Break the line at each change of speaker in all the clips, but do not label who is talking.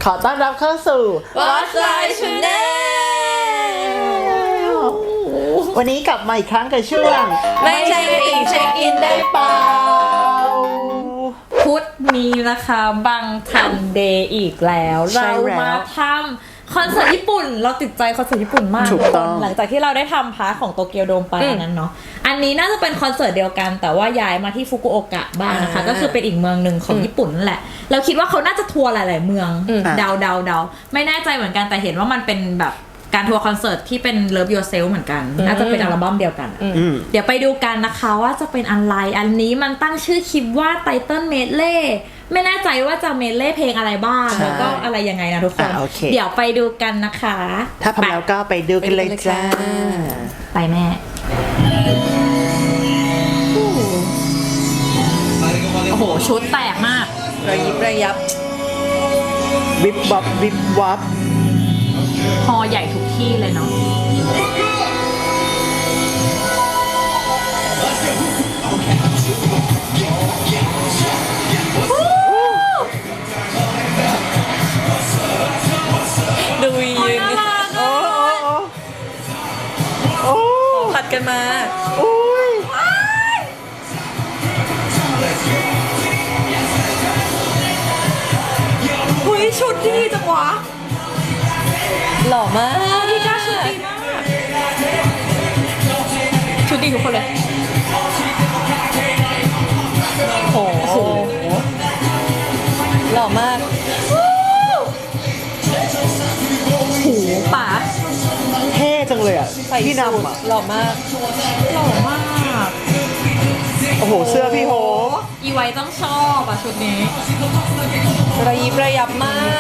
ขอต้อนรับเข้าสู่
Watch My Channel
วันนี้กลับมาอีกครั้งกับช่วง
ไม่ใช่กระติ่งเช็คอินได้เปล่า
พุธนี้นะคะบังทันเดย์อีกแล้วเรามาทำคอนเสิร์ตญี่ปุ่นเราติดใจคอนเสิร์ตญี่ปุ่นมาก
ถูกต้อง
หลังจากที่เราได้ทำพาร์ทของโตเกียวโดมไปนั้นเนาะอันนี้น่าจะเป็นคอนเสิร์ตเดียวกันแต่ว่าย้ายมาที่ฟุกุโอกะบ้างนะคะก็คือเป็นอีกเมืองหนึ่งของญี่ปุ่นนั่นแหละเราคิดว่าเขาน่าจะทัวร์หลายๆเมืองเดาไม่แน่ใจเหมือนกันแต่เห็นว่ามันเป็นแบบการทัวร์คอนเสิร์ตที่เป็น Love Yourself เหมือนกันน่าจะเป็นอัลบั้มเดียวกันเดี๋ยวไปดูกันนะคะว่าจะเป็นอะไรอันนี้มันตั้งชื่อคลิปว่า Title Medley ไม่แน่ใจว่าจะเมดเล่เพลงอะไรบ้างแล้วก็อะไรยังไงนะทุกคน เดี๋ยวไปดูกันนะคะ
ถ้าพร้อมแล้วก็ไปดูกันเลยจ้า
ไปแม่โอ้โหชุดแตกมาก
ระยิบระยับ
วิบวับวิบวับ
ฮอใหญ่ทุกที่เลยเนาะ
ดูยืน
โอ้
ผัดกันมา
โอ้ย
อุ้ยชุดดีจังวะ
หล่อมาก
พี่ก้าชุดดีมากชุดดีทุกคนเลย
โอ้โหหล่อมาก
หูป๋า
เท่จังเลยอ่ะ
ใส่
พี่
สูท
นำอ่ะ
หล่อมาก
หล่อมาก
โอ้โหเสื้อพี่โฮ
อีไว้ต้องชอบอ่ะชุดนี้
ระยิบระยับมาก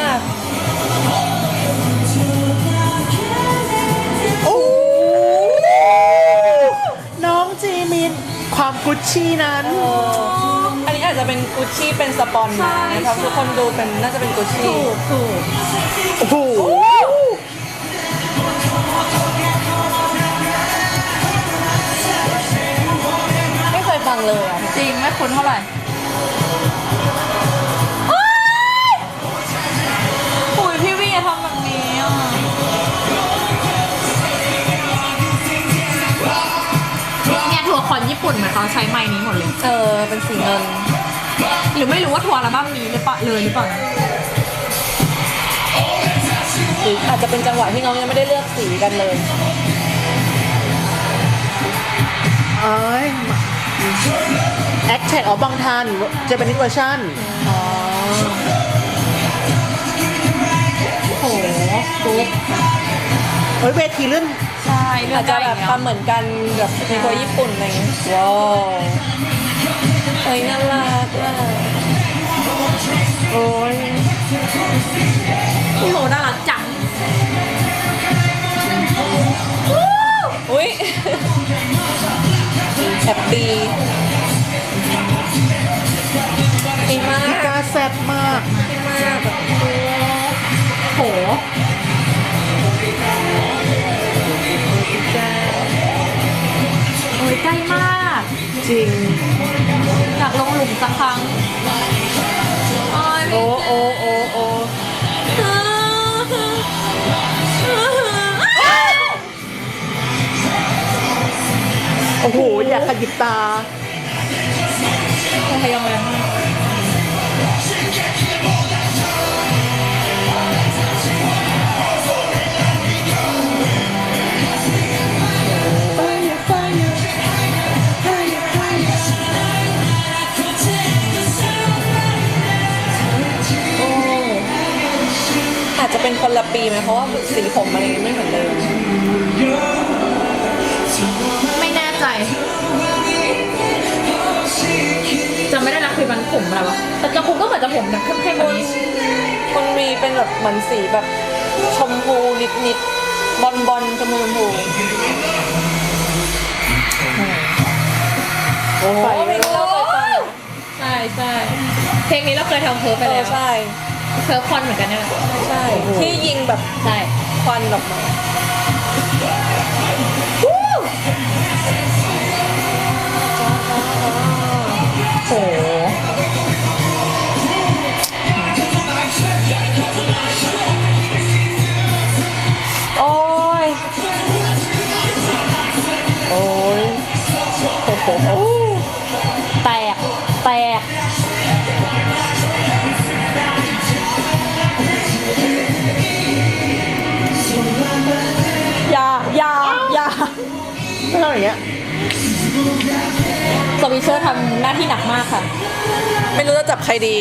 โอ้น้องจีมินความกุชชี่นั้น
อันนี้อาจจะเป็นกุชชี่เป็นสปอนนะเพราะทุกคนดูเป็นน่าจะเป็นกุชชี่
ถูก
โอ้โห
ไม่เคยฟังเลยอ่ะ
จริงไม่คุ้นเท่าไหร่อุ้ยพี่วีทำแบบนี้อ่ะเนี่ยทัวร์คอนญี่ปุ่นเหมือนเขาใช้ไมค์นี้หมดเลย
เป็นสีเงิน
หรือไม่รู้ว่าทัวร์อัลบั้มนี้หรือเปล่าเลยหรือเปล่านะ
หรืออาจจะเป็นจังหวะที่น้องยังไม่ได้เลือกสีกันเลย
เอ้ยแอคแท็กออกบางทันจะเป็นนิเวอร์ชัน
โอ้โหปุ๊บ
เฮ้ยเวทีเลื่อน
ใช่เลือ
อา
ก
จจะ
ได้
แบบทำเหมือนกันแบบในทัวร์ญี่ปุ่นอะไรอย่างเงี้ยว้าวเฮ้ยน่ารักอ่ะ
โอ้ย
พี่โหน่ารักจัง
อุ้ยแฮปปี้ดีมาก
พี่กาแซ่บมาก
ดีมากแบบ
โหโอ้ยใกล้มาก
จริง
อยากลงหลุมสักครั้งโอ้ย
โอ้โอ้โอ้โอ้โอ้โห อยากขยิบตา
พยายามเลย
อาจจะเป็นคนละปีไหมเพราะว่าสีผมอะไรไม่เหมือนเดิม
ไม่แน่ใจจะไม่ได้รักคุยมันผมอะไรวะแต่จะผมก็เหมือนจะผมแบบเข้มๆแบบนี้
คนมีเป็นแบบเหมือนสีแบบชมพูนิดๆบอลชมพู
โอ้
ไป
ย
ไม่เลิกเลย
ใช่ใช่เพลงนี้เราเคยทำเพิร์ฟไปแล้ว
ใช่
เพิร์ฟคอนเหมือนกันเนี่ย
ใช่ที่ยิงแบบ
ใช่
ควันออกมา
โห
โ
อย่างเงี้ย
สวิชเชอร์ทำหน้าที่หนักมากค่ะ
ไม่รู้จะจับใครดี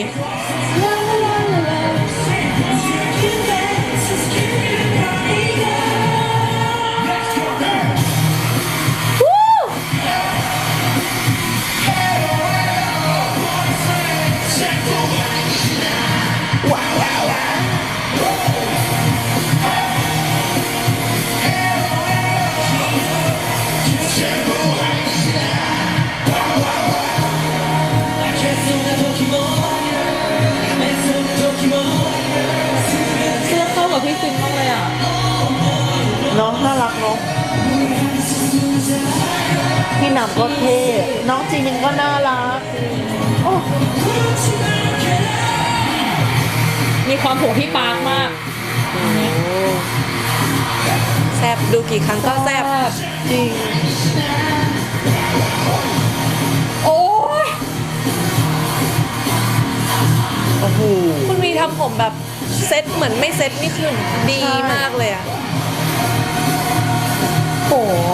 เสื้อเข้ากับพี่ซินมากเลยอ่ะ
น้องน่ารักเนาะพี่หนำก็เท่น้องจีมินก็น่ารักโอ้
มีความผูกพี่ปาร์คมาก
แซบดูกี่ครั้งก็แซบ
จริง
โอ้ย
โอ้โห
คุณมีทำผมแบบเซ็ตเหมือนไม่เซ็ตนี่คือดีมากเลยอะ
โห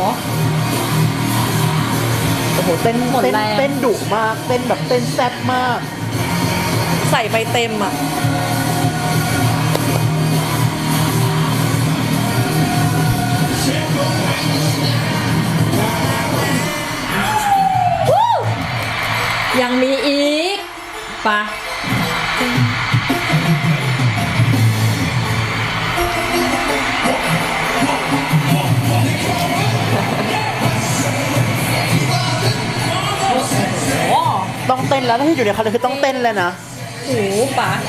โอ้โหเต้น
หมด
เต้น
แรง
เต้นดุมากเต้นแบบเต้นแซ่บมาก
ใส่ไปเต็มอะ
ยังมีอีกปะโอ้
ต้องเต้นแล้วถ้าที่อยู่ในคอนเสิร์ตคือต้องเต้นเลยนะ
โหปะ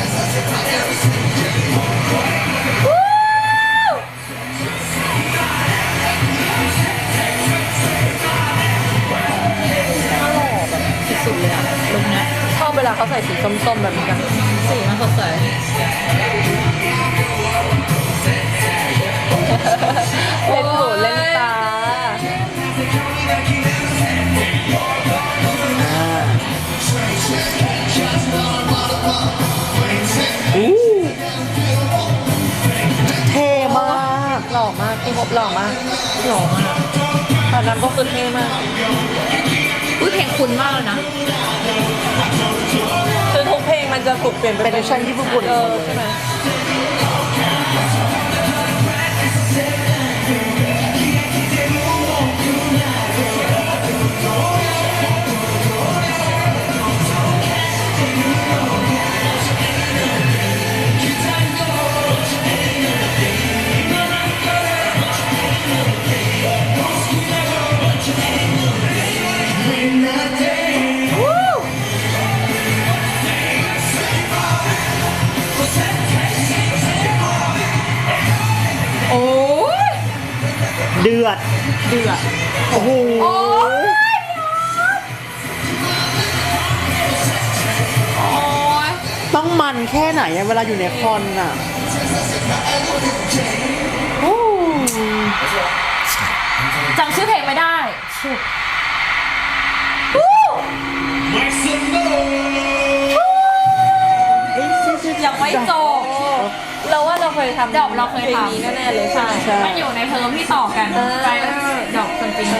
สุดเลยอะลุคเนี้ย
ชอบเวลาเขาใส่สีส้มๆแบบนี้กัน
สีมันสดใส
เล่นหูเล่นตา
เท่มาก
หล่อมากพี่พบหล่อมาก
หล่อมาก
ตอนนั้นก็คือเท่มาก
อุ้ยเพลงคุณมากเลยนะ
คือทุกเพลงมันจะถูกเปลี่ยน
เป็นเวอร์ชันที่ญี่ปุ่น
ใช่ไหม
โอ้ย
เดือด
เดือด
โอ้โห
โอ้ยโอ้ย
ต้องมันแค่ไหนอะเวลาอยู่ในคอนอะโอ้
จำชื่อเพลงไม่ได้ชิบยังไม่จบ
เราว่าเราเคยทำ
ดอกเราเคย
พลง
ทำ
นี้แน่ๆเลยใช่
มันอยู่ในเทอมที่ต่อกันไปดอกจริง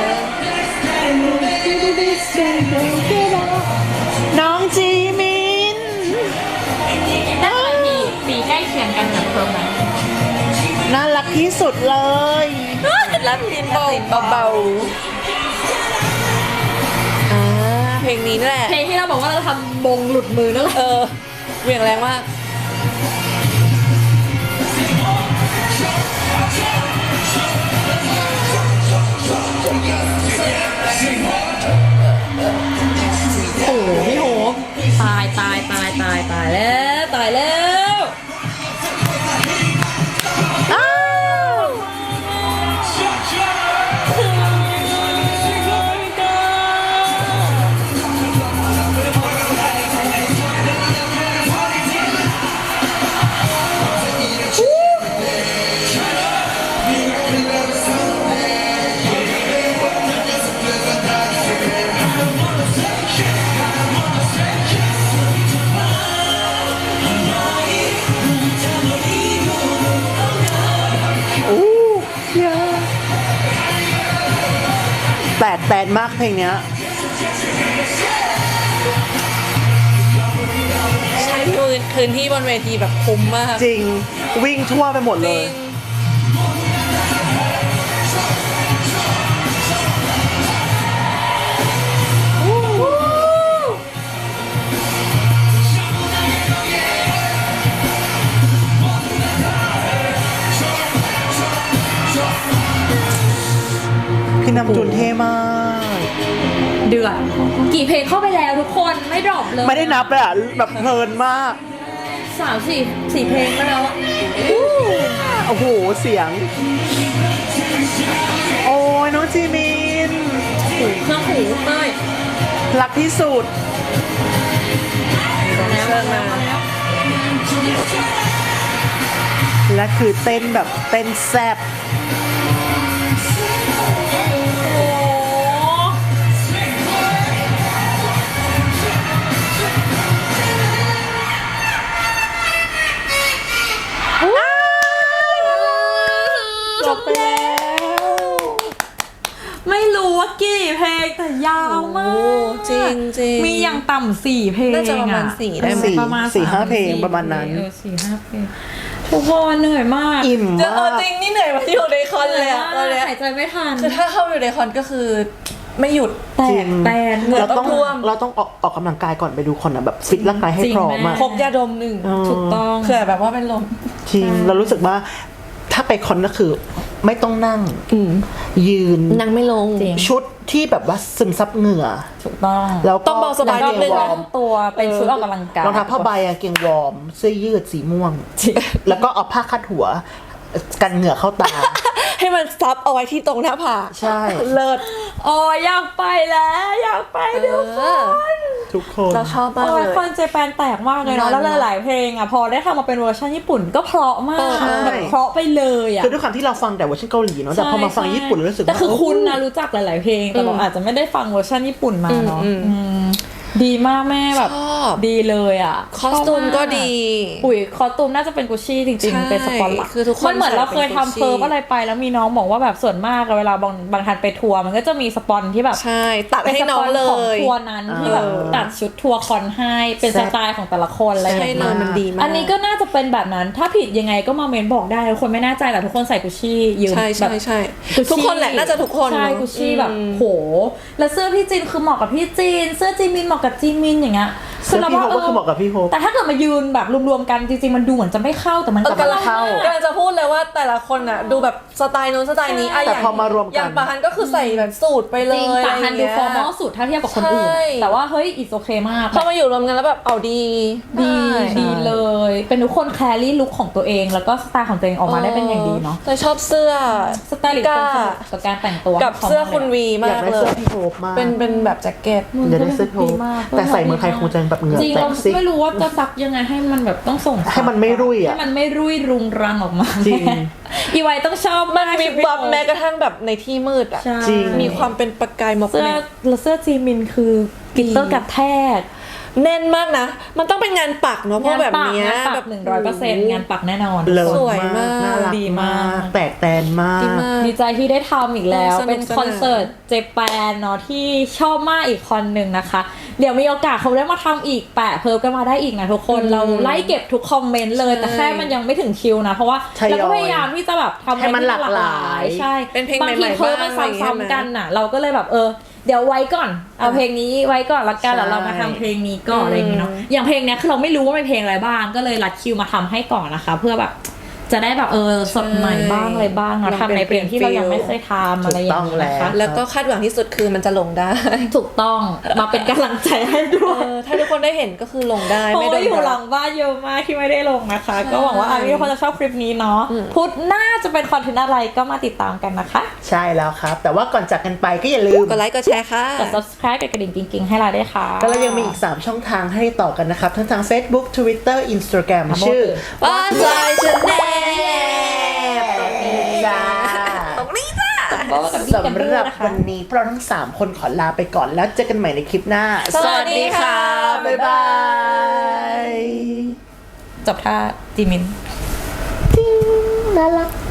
น้องจีมิน
ๆน่าจะเป็นปีใกล้เคียงกันกับเทอมนั้น
น่ารักที่สุดเลย
รับดินเบาๆเพลงนี้นั่นแหละ
เพลงที่เราบอกว่าเราทำบงหลุดมือนั่นแหละ
เหวี่ยงแรงมาก
โอ้โหพี่โหตายแล้วตายแล้ว
อ้าว
โ
แตนมากเพลงเนี้ย
ใช้พื้นที่บนเวทีแบบคุ้มมาก
จริงวิ่งทั่วไปหมดเลย พี่นำจุนเท่มาก
เดือดกี่เพลงเข้าไปแล้วทุกคนไม่ดรอปเลย
ไม่ได้นับเลยอ่ะ แบบเพลินมาก
3-4เพลงแล้วอะ
โอ้โห เสียง โอ้ยน้องจีมิน
หูเครื่องหูเต้ย
รักที่สุด
มาแล้วมาแล้วมาแล้ว
และคือเต้นแบบเต้นแซ่บ
จบแล้ว ไม่รู้ว่ากี่เพลงแต่ยาวมาก
จริงจริง
มีอย่างต่ำ4เพลง
น่าจะประมาณ4ได้ไหม
ประมาณ
สี่ห้า
3-4
เพลงประมาณนั้น
4-5 เพลงทุกคนเหนื่อยมาก
อิ่ม
เจอ
มาก
จริงนี่เหนื่อยมาอยู่ในคอนเลยอะตอนเนี้ย
หายใจไม่ทัน
คือถ้าเข้าอยู่ในคอนก็คือไม่หยุด
แต
จริ
ก
ง
แตน
เหงื่อ
เราต้อง
ท่วม
เราต้องออกกำลังกายก่อนไปดูคอนอ่ะแบบฟิตร่างกายให้
จริง
พร้อม
แม่
อ่ะ
พกยาดม1
ถูกต้อง
เผื่อแบบว่าเป็นลม
จริงเรารู้สึกว่าถ้าไปคอนก็คือไม่ต้องนั่งยืน
นั่งไม่ลง
จริง
ชุดที่แบบว่าซึมซับเหงื่อ
ถูกต้อง
แล้วก็
ต้องเบาสบาย
แล้วก็เป็น
วอร์ม
ตัวเป็นชุดออกกำลังกาย
รองเท้าผ้าใบกางเกงวอร์มเสื้อยืดสีม่วง
จริง
แล้วก็เอาผ้าคาดหัว กันเหงื่อเข้าตา
ให้มันซับเอาไว้ที่ตรงหน้าผาก
ใช่
เลิศ
โอ้ยอยากไปแล้วอยากไปทุกคน
ทุกคน
เราชอบมาก
โอ้
เลย ย
คอนเจแปนแตกมากเลยเนาะ
มัน
แล้วหลายๆเพลงอ่ะพอได้ทำมาเป็นเวอร์ชันญี่ปุ่นก็เพราะมาก
ใช่
แบบเพราะไปเลยอ่ะ
คือด้วยความที่เราฟังแต่เวอร์ชันเกาหลีเนาะแต่พอมาฟังญี่ปุ่นรู้สึกว่า
แต่คือคุณนะรู้จักหลาย ๆ เพลง แต่เราอาจจะไม่ได้ฟังเวอร์ชันญี่ปุ่นมาเนาะดีมากแม่แบบ
ชอบ
ดีเลยอ่ะ
คอสตูมก็ดี
ปุ๋ยคอสตูมน่าจะเป็นกุชชี่จริง
ใช่
ๆ เป็นสปอนหลัก
คือทุกคน
มันเหมือนเราเคย
ใส่เป็น
ทำ
Gucci
เพิร์ฟอะไรไปแล้วมีน้องบอกว่าแบบส่วนมากอะเวลาบางทันไปทัวร์มันก็จะมีสปอนที่แบบ
ใช่ ตัดให้น้องเล
เป็นสปอนของ
ย
ทัวร์นั้นที่แบบตัดชุดทัวร์คอนให้เป็นสไตล์ของแต่ละคนอะไรอย่าง
ใช่
เงี้ย
เลยมันดีมาก
อันนี้ก็น่าจะเป็นแบบนั้น ถ้าผิดยังไงก็มาเมนบอกได้ทุกคนไม่แน่ใจแต่ทุกคนใส่กุชชี่ยืม
ใช่
แบบ
ใช่
Gucci
ทุกคนแหละน่าจะทุกคน
ใช่
เนอะ
กุชชี่แบบ
อืม
โหแล้วเสื้อพี่จินคือเหมาะกับพี่จินเสื้อจีมินเหมาะกับจีมินอย่างเงี้ย
เสื้อพี่โฮปก็คือเหมาะกับพี่โฮป
แต่ถ้าเกิดมายืนแบบรวมๆกันจริงๆมันดูเหมือนจะไม่เข้าแต่มัน
เออกำลัง
เข้า
กำลังจะพูดเลยว่าแต่ละคนอ่ะดูแบบสไตล์นู้นสไตล์นี้อะ
แต่
อย่าง
พอมารวมกัน
อย่างปาฮันก็คือใส่แบบสูทไปเล
จริง
ย
ปาฮันดู
ะไร
ฟอร์มอ
เงี้
ล
ย
สุดถ้าเทียบกับคนอื่น
ใช่
แต่ว่าเฮ้ยอิสโอเคมาก
พอมาอยู่รวมกันแล้วแบบเอาดี
ดี
ได้
ดีเลย เป็นทุกคนแครี่ลุคของตัวเองแล้วก็สไตล์ของตัวเองออกมาได้เป็นอย่างดีเนาะ
แต่ชอบเสื้อ
สไตล์ลิสต์คนสนุกกับการแต่งตัว
กับเสื้อคุณวี
อยาม
าก ก
ได้
เล
เสื้อย พี่โฮปมาก
เป็นแบบแจ็คเก็ต
อยากได้เสื้อพี่โฮปแต่ใส่เมืองไทยคงจะแบบเหงื่อ
จริง
แต
เรา
กซิ
ไม่รู้ว่าจะซักยังไงให้มันแบบต้องส่ง
ให้มันไม่รุ่ยอะ
ให้มันไม่รุ่ยรุงรังออกมา
จริง
อีไวต้องชอบ
มัน
าก
มี
ชุดพี่
บับ
โอ๊ต
แม้กระทั่งแบบในที่มืดอ่ะ
ใช่
จริง
มีความเป็นประกายหมอก
เสื้อ
แมก
แล้วเสื้อจีมินคือกลิตเตอร์กระแทก
แน่นมากนะ มันต้องเป็นงานปักเนาะเพราะแบบเนี้ย
งานปั
แบ
ก
บ
100%งานปักแน่นอน
เลิศ
สวยมาก
น่ารัก
ดีมาก
แตกแตนมาก
ดีมาก
ดีใจที่ได้ทำอีกแล้ว
สนุก
เป็นคอนเสิร์ตเจแปนเนาะที่ชอบมากอีกคอนหนึ่งนะคะ เดี๋ยวมีโอกาสเขาได้มาทำอีกแปะเพิ่มกันมาได้อีกนะทุกคนเราไล่เก็บทุกคอมเมนต์เลย แต่แค่มันยังไม่ถึงคิวนะ เพราะว่า
ทยอย
เราก็พยายามที่จะแบบทำ
ให้มันหลากหลาย
ใช่
เป็นเพลง
บางที
ใหม่ๆ
เพิ่มมัน
บ้างอะไรอย่างเงี้ย
ซ้ำๆกันน่ะ เราก็เลยแบบเดี๋ยวไว้ก่อนเอาเพลงนี้ไว้ก่อนละกันแล้วเรามาทำเพลงนี้ก่อนอะไรอย่างเงี้ยเนาะอย่างเพลงเนี้ยคือเราไม่รู้ว่าเป็นเพลงอะไรบ้างก็เลยรัดคิวมาทำให้ก่อนนะคะ เพื่อแบบจะได้แบบสดใหม่บ้างอะไรบ้างเนาะ
ลอง
ทำในเพลงที่เรายังไม่เคยทำอะไรอย่างเงี้ยนะคะ
แล้วก็คาดหวังที่สุดคือมันจะลงได้
ถูกต้องมาเป็นกำลังใจให้ด้วย
ถ้าทุกคนได้เห็นก็คือลงได้
เพราะ
ไม่โด
ว่าน อยู่ห
ด่า
ลังบ้านเยอะมากที่ไม่ได้ลงนะคะ ก็หวังว่าทุกคนจะชอบคลิปนี้เนาะพุธหน้าจะเป็นคอนเทนต์อะไรก็มาติดตามกันนะคะ
ใช่แล้วครับ แต่ว่าก่อนจากกันไปก็อย่าลืม
กดไลค์กดแชร์ค่ะ
กด subscribe กดกระดิ่งกิ๊งๆให้เราด้วยค่ะ
ก็เรายังมีอีก 3 ช่องทางให้ต่อกันนะครับ ทั้งทาง Facebook Twitter Instagram
ครับ
ชื่อ
ป้าใจฉันแน่
จ้า
ตรงนี้จ้า
สำหรับวันนี้พวกเราทั้ง 3 คนขอลาไปก่อนแล้วเจอกันใหม่ในคลิปหน้า
สวัสดีค่ะ
บ๊ายบาย
จบท่าจีมิน
น่ารัก